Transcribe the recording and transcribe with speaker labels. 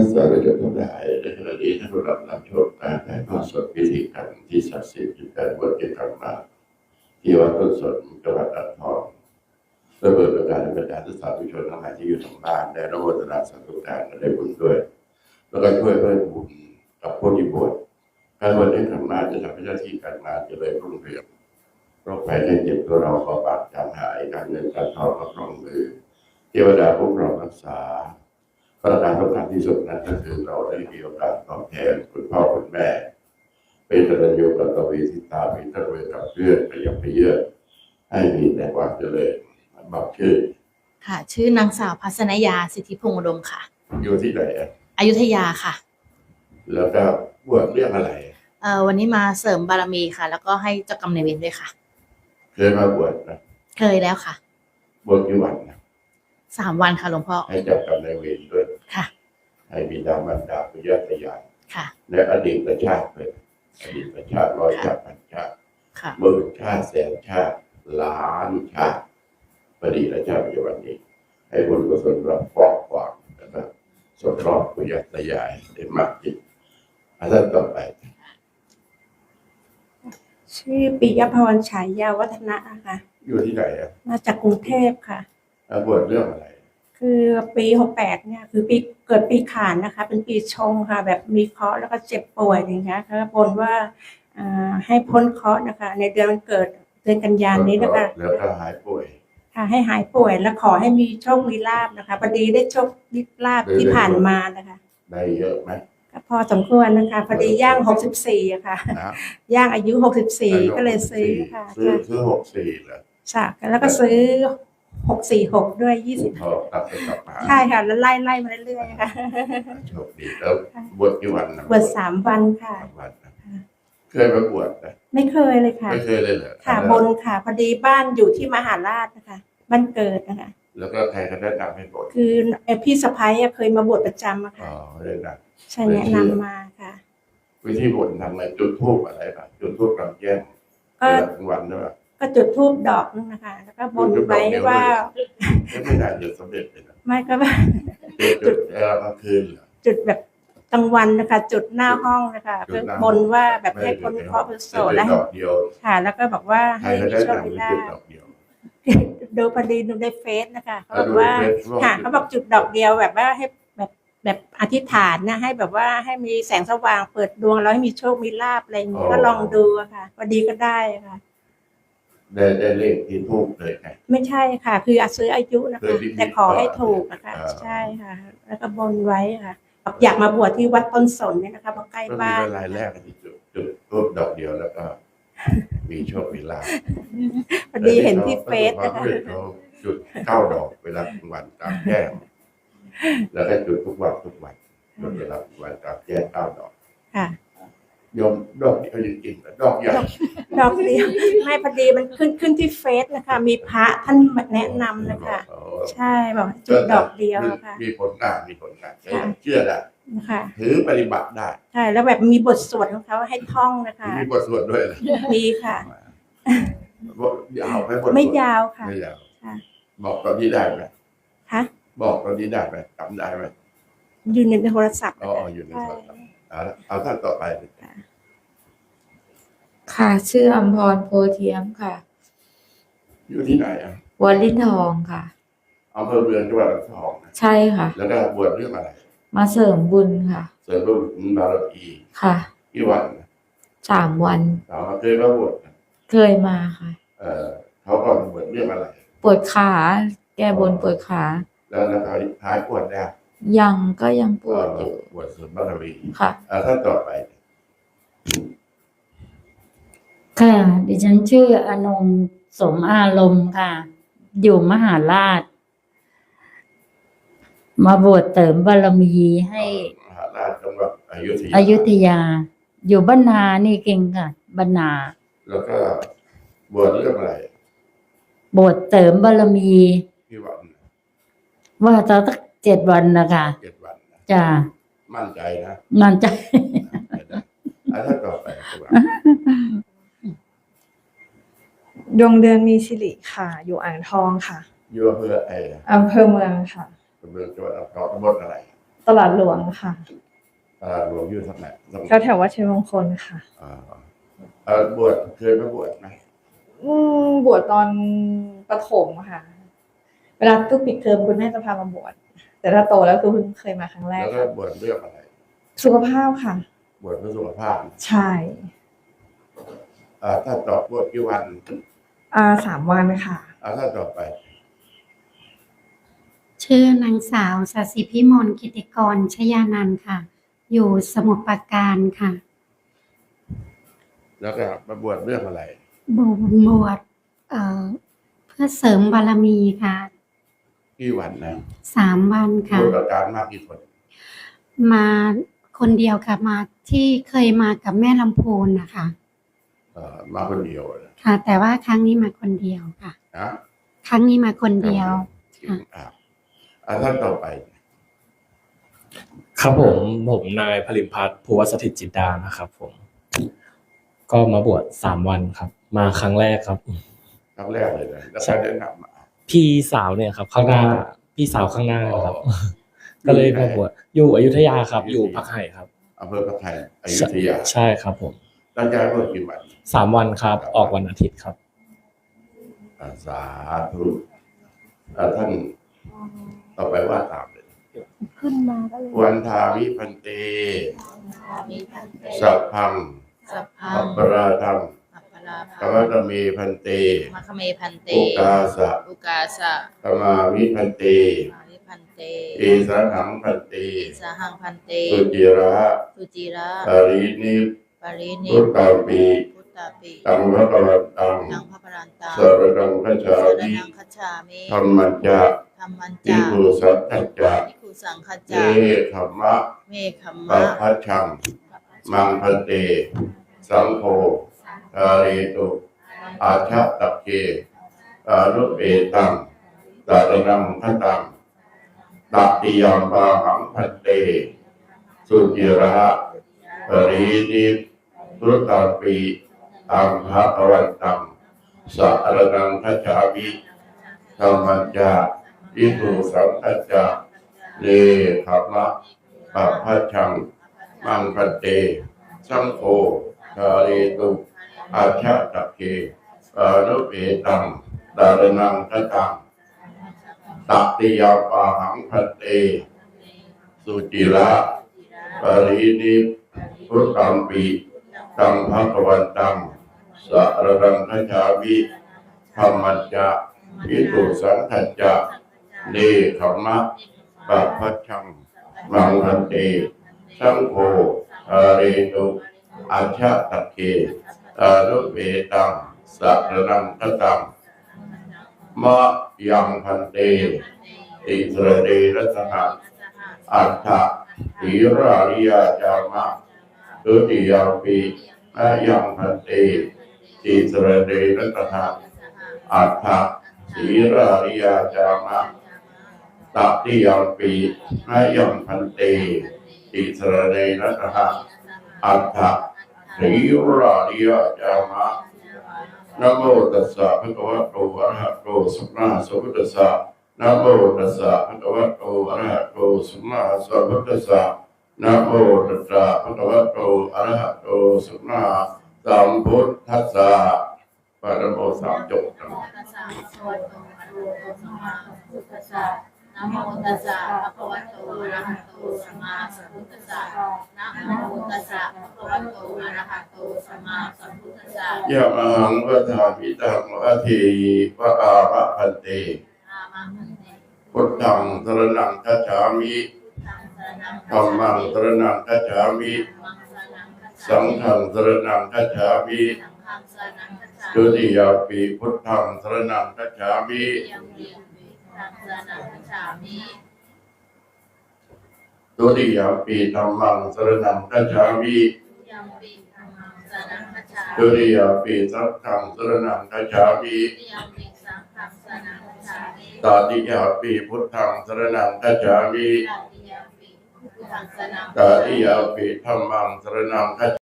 Speaker 1: สาธุชนทั้งหลายในขณะนี้ท่านผู้รับชมการถ่ายทอดสดพิธีกรรมที่ศักดิ์สิทธิ์ที่การบวชที่ทำมาที่วัดต้นสนจังหวัดอ่างทองและเปิดโอกาสให้บรรดาสาธุชนทั้งหลายที่อยู่ทางบ้านได้รับโมทนาสาธุการได้บุญด้วยแล้วก็ช่วยเพิ่มบุญกับผู้ที่บวชการบวชที่ทำมาจะทำให้หน้าที่การงานเจริญรุ่งเรืองโรคภัยไข้เจ็บตัวเราขอบาดจางหายการเงินการทองก็คล่องมือเทวดาพวกเรารักษาประการสำคัญที่สุดนั้นก็คือเราได้มีโอกาสตอบแทนคุณพ่อคุณแม่เป็นกตัญญูกตเวทิตามีตระเวนกับเพื่อนไปยังไปเยอะให้มีแต่ความเจริญบอกชื่อ
Speaker 2: ค่ะชื่อนางสาวพัศนยาสิทธิพงษ์อุดมค่ะ
Speaker 1: อยู่ที่ไหน
Speaker 2: อยุธยาค่ะ
Speaker 1: แล้วก็บวชเรื่องอะไร
Speaker 2: วันนี้มาเสริมบารมีค่ะแล้วก็ให้เจ้ากรรมนายเวรด้วยค่ะ
Speaker 1: เคยมาบวชนะ
Speaker 2: เคยแล้วค่ะ
Speaker 1: บวชกี่วันนะ
Speaker 2: 3 วันค่ะหลวงพ่อ
Speaker 1: ให้เจ้ากรรมนายเวรด้วย
Speaker 2: ค่ะ
Speaker 1: ให้บิดามารดาปุญญาตายาย
Speaker 2: ค่ะ
Speaker 1: ในอดีตชาติเลยอดีตชาติ100 ชาติพันชาติหมื่นชาติแสนชาติล้านชาติอดีตชาติปัจจุบันนี้ให้บุญกุศลรับฟอกขวางนะครับสมรสปุญญาตายายได้มากยิ่งท่านต่อไป
Speaker 3: ชื่อปิยพรฉายาวัฒนะค่ะ
Speaker 1: อยู่ที่ไหน
Speaker 3: มาจากกรุงเทพค่ะ
Speaker 1: บวชเรื่องอะไร
Speaker 3: คือปี68เนี่ยคือปีเกิดปีขานนะคะเป็นปีชงค่ะแบบมีเคราะห์แล้วก็เจ็บป่วยอย่างเงี้ยค่ะบนว่าให้พ้นเคราะห์นะคะในเดือนวันเกิดเดือนกันยายนนี้นะคะ
Speaker 1: แล้วก็หายป่วย
Speaker 3: ค่ะให้หายป่วยและขอให้มีโชคมีลาภนะคะพอดีได้โชคมีลาภที่ผ่านมานะคะ
Speaker 1: ได้เยอะไหม
Speaker 3: ก็พอสมควรนะคะพอดีย่าง64อะค่ะย่างอายุ64ก็เลยซื้อค่ะ
Speaker 1: ซื้อ64เหรอ
Speaker 3: ใช่แล้วก็ซื้อ646ด้วย20ใช่ค่ะแล้วไล่มาเรื่อยๆค่ะ
Speaker 1: โชคดีแล้วบวชกี่วันนะ
Speaker 3: บวช3 วันค่ะ
Speaker 1: เคยมาบวชไหม
Speaker 3: ไม่เคยเลยค่ะ
Speaker 1: ไม่เคยเลยเหรอ
Speaker 3: ค่ะบนค่ะพอดีบ้านอยู่ที่มหาราชนะคะบ้านเกิดนะคะ
Speaker 1: แล้วก็ใครก็แนะนำให้บวช
Speaker 3: คือพี่สะพ้ายเคยมาบวชประจำอะค่ะ
Speaker 1: เลยนะ
Speaker 3: ใช่แนะนำมาค่ะ
Speaker 1: วิธีบวชทำอะไรจุดธูปอะไรป่ะจุดธูปกลางแจ้งกลางวันด้วย
Speaker 3: ก็จุดธูปดอกนึงนะคะแล้วก็บนไว้ว่า
Speaker 1: ไม่ได้จะสำเร็จเลยนะ
Speaker 3: ไม่ก็ว่า
Speaker 1: จุดกลางคืน
Speaker 3: จุดแบบกลางวันนะคะจุดหน้าห้องนะคะเพื่อบนว่าแบบให้คนเคราะห์โสดแล้วค่ะแล้วก็บอกว่าให้โชคได้ดูพอดีดูในเฟซนะคะเขาบอกว่าค่ะเขาบอกจุดดอกเดียวแบบว่าให้แบบอธิษฐานนะให้แบบว่าให้มีแสงสว่างเปิดดวงแล้วให้มีโชคมีลาภอะไรอย่างนี้ก็ลองดูค่ะพอดีก็ได้ค่ะ
Speaker 1: ได้เลขที่ถูกเลยไง
Speaker 3: ไม่ใช่ค่ะคือซื้ออายุนะคะแต่ขอให้ถูกนะคะใช่ค่ะแล้วก็บนไว้ค่ะอยากมาบวชที่วัดต้นสนเนี่ยนะคะเพราะใกล้บ้าน
Speaker 1: รายแรกที่จุดรูปดอกเดียวแล้วก็มีโชคมีลาภ
Speaker 3: พอดีเห็นที่เฟซนะคะ
Speaker 1: จุด9 ดอกเวลากลางวันตามแจ้งแล้วก็จุดทุกวันจุดเวลากลางวันตามแจ้ง9 ดอก
Speaker 3: ค่ะ
Speaker 1: ยมดอกเดียวจริงๆดอกใหญ่
Speaker 3: ดอกเดียวไม่พอดีมันขึ้นที่เฟซนะคะมีพระท่านแนะนำนะคะใช่บอกจุดดอกเดียวค่ะ
Speaker 1: มีผลงานเชื่อได้ถือปฏิบัติได้
Speaker 3: ใช่แล้วแบบมีบทสวดของเขาให้ท่องนะคะ
Speaker 1: มีบทสวดด้วย
Speaker 3: มีค่ะ
Speaker 1: ยาวไหม
Speaker 3: ไม่ยาวค่ะ
Speaker 1: ไม่ยาวบอกตอนนี้ได้ไหม
Speaker 3: คะ
Speaker 1: บอกตอนนี้ได้ไหมจำได้ไหม
Speaker 3: อยู่ในโทรศัพท์
Speaker 1: อยู่ในโทรศัพท์เอาท่านต่อไป
Speaker 4: ค่ะชื่ออมพรโพเทียมค่ะ
Speaker 1: อยู่ที่ไหน
Speaker 4: วอลินทองค่ะ
Speaker 1: อำเภอเมืองจังหวัดอ่างทอง
Speaker 4: ใช่ค่ะ
Speaker 1: แล้วก็บวชเรื่องอะไร
Speaker 4: มาเสริมบุญค่ะ
Speaker 1: เสริมบุญบารมี
Speaker 4: ค่ะ
Speaker 1: กี่วัน
Speaker 4: 3 วัน
Speaker 1: เคยมาบวช
Speaker 4: เคยมาค่ะ
Speaker 1: เขาก็บวชเรื่องอะไร
Speaker 4: ปวดขาแก้บนปวดขา
Speaker 1: แล้วหายปวดได้
Speaker 4: ยังปวดอยู่
Speaker 1: ปวดเสริมบารมี
Speaker 4: ค่ะ
Speaker 1: ท่านต่อไป
Speaker 4: ค่ะดิฉันชื่ออนงสมอารมณ์ค่ะอยู่มหาราชมาบวชเสริมบารมีให้
Speaker 1: มหาราชจังหวัด
Speaker 4: อยุธยาอยู่บ้านนานี่เก่งค่ะบ้านนา
Speaker 1: แล้วก็บวชเรื่องอะไร
Speaker 4: บวชเสริมบารมี
Speaker 1: กี่วัน
Speaker 4: ว่าจะตั้ง7 วันนะคะ
Speaker 1: 7 วัน
Speaker 4: จ้า
Speaker 1: มั่นใจนะ
Speaker 4: มั่นใจ
Speaker 1: ท่านต่อไป
Speaker 5: ดวงเดือนมีสิริค่ะอยู่อ่างทองค่ะ
Speaker 1: อยู่อำเภอ
Speaker 5: อำเภอเมืองค่ะ
Speaker 1: อำเภอจังหวัดอ่างทองตำบลอะไร
Speaker 5: ตตลาดหลวงค่ะ
Speaker 1: หลวงอยู่ทางไหน
Speaker 5: แถววัดชัยมงคลค่ะ
Speaker 1: บวชเคยไปบวชไหม
Speaker 5: บวชตอนประถมค่ะ เวลาทุกปิดเทอมคุณแม่จะพามาบวช แต่ถ้าโตแล้วคือเพิ่งเคยมาครั้งแรก
Speaker 1: แล้วก็บวชเรื่องอะไร
Speaker 5: สุขภาพค่ะ
Speaker 1: บวชเพื่อสุขภาพ
Speaker 5: ใช่
Speaker 1: ถ้าต่อบวชกี่วัน
Speaker 5: 3 วันค่ะ
Speaker 1: ถ้าต่อไป
Speaker 6: ชื่อนางสาวสศิพิมลกิติกรชยานันท์ค่ะ อยู่สมุทรปราการค่ะ
Speaker 1: แล้วก็มาบวชเรื่องอะไร
Speaker 6: บวชเพื่อเสริมบารมีค่ะ
Speaker 1: กี่วันนะ
Speaker 6: 3 วัน
Speaker 1: บ
Speaker 6: ค่ะ
Speaker 1: วชอาการมากกี่คน
Speaker 6: มาคนเดียวค่ะ มาที่เคยมากับแม่ลำพูนนะคะ
Speaker 1: มาคนเดียวนะ
Speaker 6: ค่ะ แต่ว่าครั้งนี้มาคนเดียวค่ะ
Speaker 1: นะ
Speaker 6: ครั้งนี้มาคนเดียว ค่ะ
Speaker 1: ท่านต่อไป
Speaker 7: ครับผมนายผลิมพัฒน์ภูวสถิตจิตดานะครับผม ก็มาบวช3 วันครับ มาครั้งแรกครับ
Speaker 1: ครั้งแรกเลยนะแล้วใครแนะนำมา
Speaker 7: พี่สาวเนี่ยครับ ข้างหน้า พี่สาวข้างหน้าครับ ก็เลยมาบวชอยู่อยุธยาครับ อยู่พักไห่ครับ
Speaker 1: อำเภอพระไทยอยุธยา
Speaker 7: ใช่ครับผม
Speaker 1: ตั้งใจบวชกี่วัน
Speaker 7: 3 วันครับ ออกวันอาทิตย์ครับ
Speaker 1: สาธุท่านต่อไปว่าตามเลย
Speaker 3: ขึ้นมาก็เลย
Speaker 1: วันทาวิพันเต
Speaker 2: มีพันเต
Speaker 1: สัพพัง
Speaker 2: สัพพั
Speaker 1: อั
Speaker 2: ง
Speaker 1: ปปราทัง
Speaker 2: อัปปรา
Speaker 1: ธร
Speaker 2: ภาร
Speaker 1: มตเมพันเต
Speaker 2: มัคคเมพันเต
Speaker 1: โอกาสะ
Speaker 2: อุกาสะ
Speaker 1: ธรรมาวิพันเต
Speaker 2: มาริพันเต
Speaker 1: เอสหังพันเต
Speaker 2: สหังพันเต
Speaker 1: สุจิระ
Speaker 2: สุจิระ
Speaker 1: ปรินิ
Speaker 2: ปรินิ
Speaker 1: พุทธาปี
Speaker 2: พุทธาปิ
Speaker 1: ตังพระกรันตัง
Speaker 2: นังพระปรันตัง
Speaker 1: สารดังคัจฉา
Speaker 2: สาร
Speaker 1: มิ
Speaker 2: นังคัจฉามิ
Speaker 1: ธรรมัจจะ
Speaker 2: ธรรมัน
Speaker 1: ทิ
Speaker 2: จา
Speaker 1: ภูสัตถัจจะ
Speaker 2: ภิกขุสังฆ
Speaker 1: เอ
Speaker 2: จา
Speaker 1: ขมมะ
Speaker 2: เมขัม
Speaker 1: ปั
Speaker 2: มะ
Speaker 1: พพัชชัง มังพันเต สังโฆทาเรตุอาชะตักเกอานุเอตังสารนังคตังตัตติยามปาหังพันเต สุจิระปรินิพุทธาปีตังภะคะวันตังสารนังคัจฉามิธรรมัญญาอิทุสังคัจจาเลขมะปัพพัชชังมังคันเตสังโฆทาเรตุอาชะตะเกอานุเอตังดารนังคตังตัตติยาปาหังคันเต สุจิระปรินิพุทธัมปีตังภะคะวันตังสารนังคัจฉามิธรรมัญญาอิทุสังคัจจาเลขมะปัพพัชชังมังคันเตสังโฆทาเรตุอาชะตะเกอานุเวตังสารนังคตังมะยังพันเตติสระเดรัสหะอัฏฐหิราริยาจามะตุติยาปีมะยังพันเตติสระเดรัสหะอัฏฐหิราริยาจามะตัตติยาปีมะยังพันเตติสระเดรัสหะอัฏฐหิราริยาจามะนะโมตัสสะภะคะวะโตอะระหะโตสัมมาสัมพุทธัสสะนะโมตัสสะภะคะวะโตอะระหะโตสัมมาสัมพุทธัสสะนะโมตัสสะภะคะวะโตอะระหะโตสัมมาสัมพุทธัสสะปะนะโมสามจบนะ
Speaker 2: นะโมตัสสะภะคะวะโตอะระหะโตสัมมาสัมพุทธัสสะนะโมตัสสะภะคะวะโตอะระหะโตสัมมาสัมพุทธัสสะ
Speaker 1: ยะมังวะทามิตังวะเทวะอามะพันเต
Speaker 2: อามังคันเต
Speaker 1: พุทธังสรณังคัจฉามิ
Speaker 2: ธัมมัง
Speaker 1: ธัมมังสรณังคัจฉามิ สังฆังสรณังคัจฉามิ
Speaker 2: สังฆังสรณังคัจฉามิ
Speaker 1: ดุติยาปีพุทธังสรณังคัจฉามิ
Speaker 2: ยังมีสังฆังสรณังคัจฉามิ
Speaker 1: ดุติยาปีธัมมังสรณังคัจฉามิ
Speaker 2: ยังมีธัมมังสรณังคัจฉา
Speaker 1: ดุ
Speaker 2: มิ
Speaker 1: ติยาปีสังฆังสรณังคัจฉามิ
Speaker 2: ยังมีสังฆังสรณังคัจฉามิ
Speaker 1: ตติยาปีพุทธังสรณังคัจฉามิ
Speaker 2: ตติยมปิพุทธังสรณัง
Speaker 1: ตติยาปีธัมมังสรณังคัจ